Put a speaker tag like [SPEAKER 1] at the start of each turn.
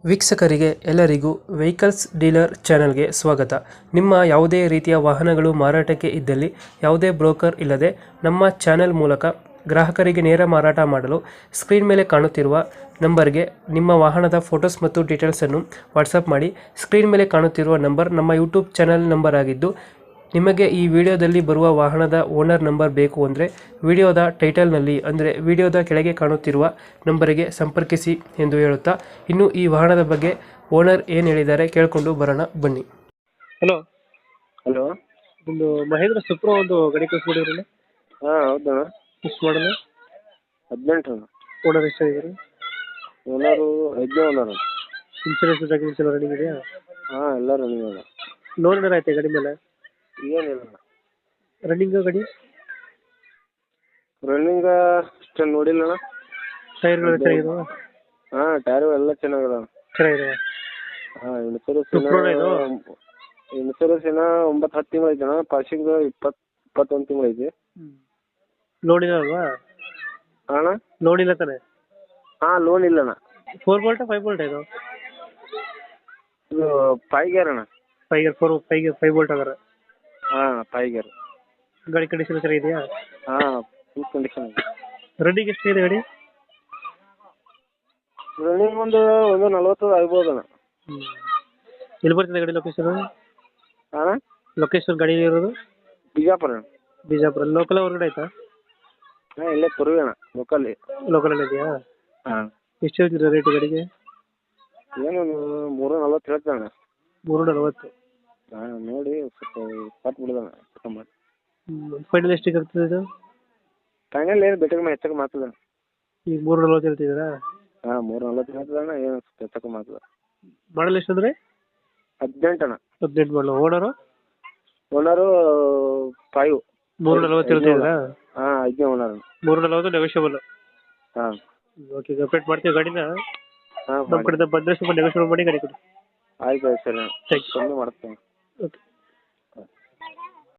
[SPEAKER 1] ವೀಕ್ಷಕರಿಗೆ ಎಲ್ಲರಿಗೂ vehicles dealer ಚಾನೆಲ್ಗೆ ಸ್ವಾಗತ. ನಿಮ್ಮ ಯಾವುದೇ ರೀತಿಯ ವಾಹನಗಳು ಮಾರಾಟಕ್ಕೆ ಇದ್ದಲ್ಲಿ ಯಾವುದೇ ಬ್ರೋಕರ್ ಇಲ್ಲದೆ ನಮ್ಮ ಚಾನೆಲ್ ಮೂಲಕ ಗ್ರಾಹಕರಿಗೆ ನೇರ ಮಾರಾಟ ಮಾಡಲು ಸ್ಕ್ರೀನ್ ಮೇಲೆ ಕಾಣುತ್ತಿರುವ ನಂಬರ್ಗೆ ನಿಮ್ಮ ವಾಹನದ ಫೋಟೋಸ್ ಮತ್ತು ಡೀಟೇಲ್ಸನ್ನು ವಾಟ್ಸಪ್ ಮಾಡಿ. ಸ್ಕ್ರೀನ್ ಮೇಲೆ ಕಾಣುತ್ತಿರುವ ನಂಬರ್ ನಮ್ಮ ಯೂಟ್ಯೂಬ್ ಚಾನೆಲ್ ನಂಬರ್ ಆಗಿದ್ದು, ನಿಮಗೆ ಈ ವಿಡಿಯೋದಲ್ಲಿ ಬರುವ ವಾಹನದ ಓನರ್ ನಂಬರ್ ಬೇಕು ಅಂದರೆ ವಿಡಿಯೋದ ಟೈಟಲ್ನಲ್ಲಿ ಅಂದರೆ ವಿಡಿಯೋದ ಕೆಳಗೆ ಕಾಣುತ್ತಿರುವ ನಂಬರಿಗೆ ಸಂಪರ್ಕಿಸಿ ಎಂದು ಹೇಳುತ್ತಾ, ಇನ್ನು ಈ ವಾಹನದ ಬಗ್ಗೆ ಓನರ್ ಏನು ಹೇಳಿದ್ದಾರೆ ಕೇಳಿಕೊಂಡು ಬರೋಣ ಬನ್ನಿ. Hello
[SPEAKER 2] hello.
[SPEAKER 1] ಒಂದು ಮಹೇಂದ್ರ ಸುಪ್ರೋ ಒಂದು ಗಾಡಿ ಕಳಿಸ್ಬಿಟ್ಟಿದ್ರಲ್ಲ,
[SPEAKER 2] ಹಾಂ ಹೌದಾ.
[SPEAKER 1] ಎಷ್ಟು ಮಾಡಲ್ಲ?
[SPEAKER 2] 18.
[SPEAKER 1] ಓನರ್ ಎಷ್ಟಾಗಿದ್ದಾರೆ?
[SPEAKER 2] Owner 5 owner.
[SPEAKER 1] ಇನ್ಶೂರೆನ್ಸ್ ಡಾಕ್ಯುಮೆಂಟ್ಸ್ ಎಲ್ಲ ರನ್ನಿಂಗ್ ಇದೆಯಾ?
[SPEAKER 2] ಹಾಂ ಎಲ್ಲ ರನ್ನಿಂಗ್ ಅದ.
[SPEAKER 1] ಲೋನ್ ಏನಾರು ಆಯ್ತಾ ಗಾಡಿ ಮೇಲೆ?
[SPEAKER 2] ಏನಿಲ್ಲ
[SPEAKER 1] ರನ್ನಿಂಗ್ ಗಾಡಿ
[SPEAKER 2] ರನ್ನಿಂಗ್ ಅಷ್ಟು ನೋಡಿಲ್ಲ ಅಣ್ಣ.
[SPEAKER 1] ಟೈರ್ಗಳು ಚೆನ್ನಾಗಿದಾವ?
[SPEAKER 2] ಹಾಂ ಟೈರು ಎಲ್ಲ ಚೆನ್ನಾಗದ.
[SPEAKER 1] ಚೆನ್ನಾಗಿದಾವ.
[SPEAKER 2] ಹಾಂ ಇನ್ಸೂರೆನ್ಸ್
[SPEAKER 1] ಸುಪ್ರೋನ ಇದು?
[SPEAKER 2] ಇನ್ಸೂರೆನ್ಸ್ ಏನೋ 9-10 ತಿಂಗಳು ಐತೆ ಅಣ್ಣ. ಪಾಸಿಂಗ್ 20-21 ತಿಂಗಳು ಐತಿ.
[SPEAKER 1] ಲೋನ್ ಇಲ್ಲ ಅಲ್ವಾ?
[SPEAKER 2] ಅಣ್ಣ
[SPEAKER 1] ಲೋನ್ ಇಲ್ಲ ತಾನೆ?
[SPEAKER 2] ಹಾಂ ಲೋನ್ ಇಲ್ಲ ಅಣ್ಣ.
[SPEAKER 1] 4 ಬೋಲ್ಟಾ 5 ಬೋಲ್ಟ್ ಇದು?
[SPEAKER 2] ಇದು 5 ಗೇರ್ ಅಣ್ಣ.
[SPEAKER 1] 5 ಗೇರ್ 5 ಬೋಲ್ಟ್ ಅದಾರ.
[SPEAKER 2] ಹಾಂ 5 ಗೇರ್.
[SPEAKER 1] ಗಾಡಿ ಕಂಡೀಷನ್ ಚೆನ್ನಾಗಿದೆಯಾ?
[SPEAKER 2] ಹಾಂ ಫುಲ್ ಕಂಡೀಷನ್ ಇದೆ.
[SPEAKER 1] ರನ್ನಿಂಗ್ ಎಷ್ಟಿದೆ ಗಾಡಿ?
[SPEAKER 2] ರನ್ನಿಂಗ್ ಒಂದು 40 ಆಗ್ಬೋದು ಅಣ್ಣ.
[SPEAKER 1] ಎಲ್ಲಿ ಬರ್ತಿದೆ ಗಾಡಿ ಲೊಕೇಶನ್?
[SPEAKER 2] ಅಣ್ಣ
[SPEAKER 1] ಲೊಕೇಶನ್ ಗಾಡಿ ಇರೋದು
[SPEAKER 2] ಬಿಜಾಪುರ ಅಣ್ಣ.
[SPEAKER 1] ಬಿಜಾಪುರ. ಲೋಕಲ್ ಹೊರಗಡೆ ಆಯ್ತಾ?
[SPEAKER 2] ಹಾಂ ಇಲ್ಲೇ ತುರುವಿ ಅಣ್ಣ, ಲೋಕಲ್ಲಿ.
[SPEAKER 1] ಲೋಕಲಲ್ಲಿ ಇದೆಯಾ?
[SPEAKER 2] ಹಾಂ
[SPEAKER 1] ಎಷ್ಟು ಹೇಳ್ತೀರಾ ರೇಟು ಗಾಡಿಗೆ?
[SPEAKER 2] ಏನು 340 ಹೇಳ್ತೇನೆ ಅಣ್ಣ.
[SPEAKER 1] 340.
[SPEAKER 2] ಹಾಂ ನೋಡಿ ಸ್ವಲ್ಪ ಕೊಟ್ಟು ಬಿಡೋಣ ಮಾಡಿ.
[SPEAKER 1] ಫೈನಲ್ ಎಷ್ಟಿಗೆ ಆಗ್ತದೆ ಇದು?
[SPEAKER 2] ಫೈನಲ್ ಏನು ಬೆಟ್ಟಕ್ಕೆ ಹೆಚ್ಚಕ್ಕೆ ಮಾತದ.
[SPEAKER 1] ಈಗ 340 ಹೇಳ್ತಿದ್ದೀರಾ?
[SPEAKER 2] ಹಾಂ 340 ಹೇಳ್ತದಣ್ಣ. ಏನು ಸ್ವಲ್ಪ ಹೆಚ್ಚಕ್ಕೆ ಮಾತದ.
[SPEAKER 1] ಮಾಡಲ್ ಎಷ್ಟು ಅಂದರೆ?
[SPEAKER 2] 18 ಅಣ್ಣ.
[SPEAKER 1] 18 ಮಾಡಲು. ಓನರು?
[SPEAKER 2] ಓನರು 5.
[SPEAKER 1] 340 ಹೇಳ್ತಿದ್ದೀರಾ?
[SPEAKER 2] ಹಾಂ 5 ಓನರ್.
[SPEAKER 1] 340 ನೆಗೋಷಿಯಬಲ್.
[SPEAKER 2] ಹಾಂ
[SPEAKER 1] ಓಕೆ, ಅಪ್ಡೇಟ್ ಮಾಡ್ತೀವಿ ಗಾಡಿನ.
[SPEAKER 2] ಹಾಂ
[SPEAKER 1] ನಮ್ಮ ಕಡೆಯಿಂದ ಬಂದರೆ ಸ್ವಲ್ಪ ನೆಗೋಷಿಯಬಲ್ ಮಾಡಿ ಗಾಡಿ ಕೊಡಿ.
[SPEAKER 2] ಆಯ್ತು ಸರಿ.
[SPEAKER 1] Thank you.
[SPEAKER 2] ಕಮ್ಮಿ ಮಾಡ್ತೇನೆ.
[SPEAKER 1] ಓಕೆ.